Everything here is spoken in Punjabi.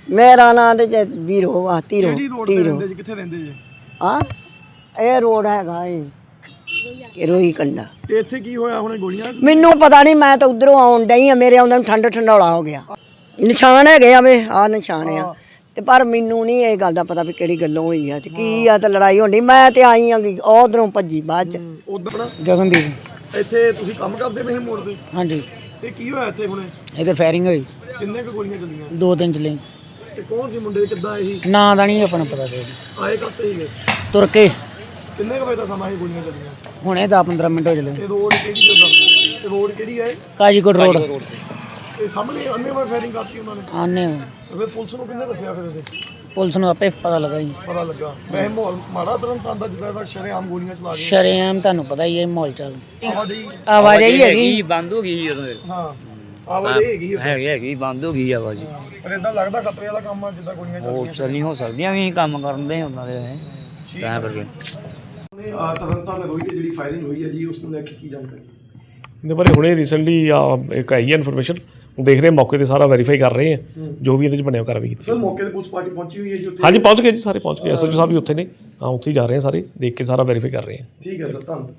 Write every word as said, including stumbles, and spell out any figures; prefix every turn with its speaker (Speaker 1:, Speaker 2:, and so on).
Speaker 1: ਮੇਰਾ ਨਾਂ ਤੇ ਵੀਰੋ ਵਾ ਧੀਰੋ ਧੀਰੋ
Speaker 2: ਕਿੱਥੇ ਰਹਿੰਦੇ ਜੀ?
Speaker 1: ਹਾਂ ਇਹ ਰੋਡ ਹੈਗਾ ਇਹ ਰੋਈ ਕੰਡਾ।
Speaker 2: ਤੇ ਇੱਥੇ ਕੀ ਹੋਇਆ ਹੁਣ ਗੋਲੀਆਂ?
Speaker 1: ਮੈਨੂੰ ਪਤਾ ਨਹੀਂ, ਮੈਂ ਤਾਂ ਉਧਰੋਂ ਆਉਣ ਡਈ ਆ, ਮੇਰੇ ਆਉਂਦੇ ਨੂੰ ਠੰਡ ਠੰਡੌਲਾ ਹੋ ਗਿਆ। ਨਿਸ਼ਾਨ ਹੈਗੇ ਆ ਵੇ, ਆਹ ਨਿਸ਼ਾਨ ਆ ਤੇ ਪਰ ਮੈਨੂੰ ਨਹੀਂ ਇਹ ਗੱਲ ਦਾ ਪਤਾ ਵੀ ਕਿਹੜੀ ਗੱਲੋਂ ਹੋਈ ਆ ਤੇ ਕੀ ਆ ਤੇ ਲੜਾਈ ਹੋਣੀ। ਮੈਂ ਤੇ ਆਈ ਆ ਉਧਰੋਂ ਭੱਜੀ ਬਾਅਦ ਚ।
Speaker 2: ਉਧਰ
Speaker 3: ਗਗਨਦੀਪ
Speaker 2: ਇੱਥੇ ਤੁਸੀਂ ਕੰਮ ਕਰਦੇ ਪਏ ਮੋੜ ਤੇ?
Speaker 3: ਹਾਂਜੀ।
Speaker 2: ਤੇ ਕੀ ਹੋਇਆ ਇੱਥੇ ਹੁਣੇ?
Speaker 3: ਇਹ ਤੇ ਫਾਇਰਿੰਗ ਹੋਈ,
Speaker 2: ਕਿੰਨੇ ਕੁ ਗੋਲੀਆਂ ਚੱਲੀਆਂ?
Speaker 3: ਦੋ ਤਿੰਨ ਚਲੇ।
Speaker 2: ਤੇ ਕੌਣ ਸੀ ਮੁੰਡੇ, ਕਿੱਦਾਂ ਆਏ ਸੀ?
Speaker 3: ਨਾਂ ਦਾ ਨਹੀਂ ਆਪਣਾ ਪਤਾ ਤੇ
Speaker 2: ਆਏ ਕੱਤੇ ਸੀਗੇ?
Speaker 3: ਤੁਰ ਕੇ।
Speaker 2: ਕਿੰਨੇ ਕੁ ਵਜੇ ਦਾ ਸਮਾਂ ਇਹ ਗੋਲੀਆਂ ਚੱਲੀਆਂ?
Speaker 3: ਹੁਣੇ ਦਸ ਪੰਦਰਾਂ ਮਿੰਟ ਹੋ ਚਲੇ।
Speaker 2: ਇਹ ਰੋਡ ਕਿਹੜੀ ਜਗ੍ਹਾ? ਤੇ ਰੋਡ ਕਿਹੜੀ ਹੈ?
Speaker 3: ਕਾਜੀਕੋਟ ਰੋਡ।
Speaker 2: ਇਹ ਸਾਹਮਣੇ ਅੰਨੇ ਵਾਰ ਫਾਇਰਿੰਗ ਕਰਤੀ ਉਹਨਾਂ ਨੇ?
Speaker 3: ਆਨੇ
Speaker 2: ਫਿਰ ਪੁਲਿਸ ਨੂੰ ਕਿੰਨੇ ਦੱਸਿਆ? ਫਿਰ ਇਹਦੇ
Speaker 3: ਪੁਲਿਸ ਨੂੰ ਆਪੇ ਪਤਾ ਲੱਗਾ ਜੀ।
Speaker 2: ਪਤਾ ਲੱਗਾ। ਵੈਸੇ ਮਾਹੌਲ ਮਾੜਾ ਤੁਰੰਤ ਆਂਦਾ ਜਿੱਦਾਂ ਦਾ ਸ਼ਰੇਆਮ ਗੋਲੀਆਂ ਚਲਾ ਕੇ।
Speaker 3: ਸ਼ਰੇਆਮ ਤੁਹਾਨੂੰ ਪਤਾ ਹੀ ਹੈ ਮਾਹੌਲ ਚੱਲ।
Speaker 2: ਆਵਾਜਾਈ
Speaker 3: ਆਵਾਜਾਈ ਹੈਗੀ
Speaker 4: ਬੰਦ ਹੋ ਗਈ ਉਦੋਂ।
Speaker 2: ਹਾਂ ਆਵਾਜਾਈ ਹੈਗੀ ਆ।
Speaker 4: ਹੈਗੀ ਹੈਗੀ ਬੰਦ ਹੋ ਗਈ ਆਵਾਜ਼।
Speaker 2: ਪਰ ਇਦਾਂ ਲੱਗਦਾ ਖਤਰੇ ਵਾਲਾ ਕੰਮ ਆ ਜਿੱਦਾਂ ਗੋਲੀਆਂ
Speaker 4: ਉਹ
Speaker 2: ਚੱਲਦੀਆਂ।
Speaker 4: ਚੱਲ ਨਹੀਂ ਹੋ ਸਕਦੀਆਂ ਵੀ ਕੰਮ ਕਰਦੇ ਉਹਨਾਂ ਦੇ ਤਾਂ ਕਰਕੇ।
Speaker 2: ਆ ਤਰਨਤਾਰਨ ਰੋਈ ਤੇ ਜਿਹੜੀ ਫਾਇਰਿੰਗ ਹੋਈ ਹੈ ਜੀ, ਉਸ ਨੂੰ ਲੈ ਕੇ ਕੀ ਜਾਣਕਾਰੀ?
Speaker 5: ਇਹਦੇ ਬਾਰੇ ਹੁਣੇ ਰੀਸੈਂਟਲੀ ਇੱਕ ਆਈ ਹੈ ਇਨਫੋਰਮੇਸ਼ਨ, ਦੇਖ ਰਹੇ ਮੌਕੇ ਤੇ ਸਾਰਾ ਵੈਰੀਫਾਈ ਕਰ ਰਹੇ ਆ ਜੋ ਵੀ ਇਹਦੇ ਚ ਬਣਿਆ ਕਾਰਵਾਈ ਕੀਤੀ।
Speaker 2: ਸਰ ਮੌਕੇ ਤੇ ਪੁਲਿਸ ਪਾਰਟੀ ਪਹੁੰਚੀ ਹੋਈ ਹੈ ਜੀ ਉੱਥੇ?
Speaker 5: ਹਾਂਜੀ ਪਹੁੰਚ ਗਏ ਜੀ, ਸਾਰੇ ਪਹੁੰਚ ਗਏ। ਐਸਐਚਓ ਸਾਹਿਬ ਵੀ ਉੱਥੇ ਨੇ, ਹਾਂ ਉੱਥੇ ਹੀ ਜਾ ਰਹੇ ਆ ਸਾਰੇ, ਦੇਖ ਕੇ ਸਾਰਾ ਵੈਰੀਫਾਈ ਕਰ ਰਹੇ ਆ।
Speaker 2: ਠੀਕ ਹੈ ਸਰ, ਧੰਨਵਾਦ।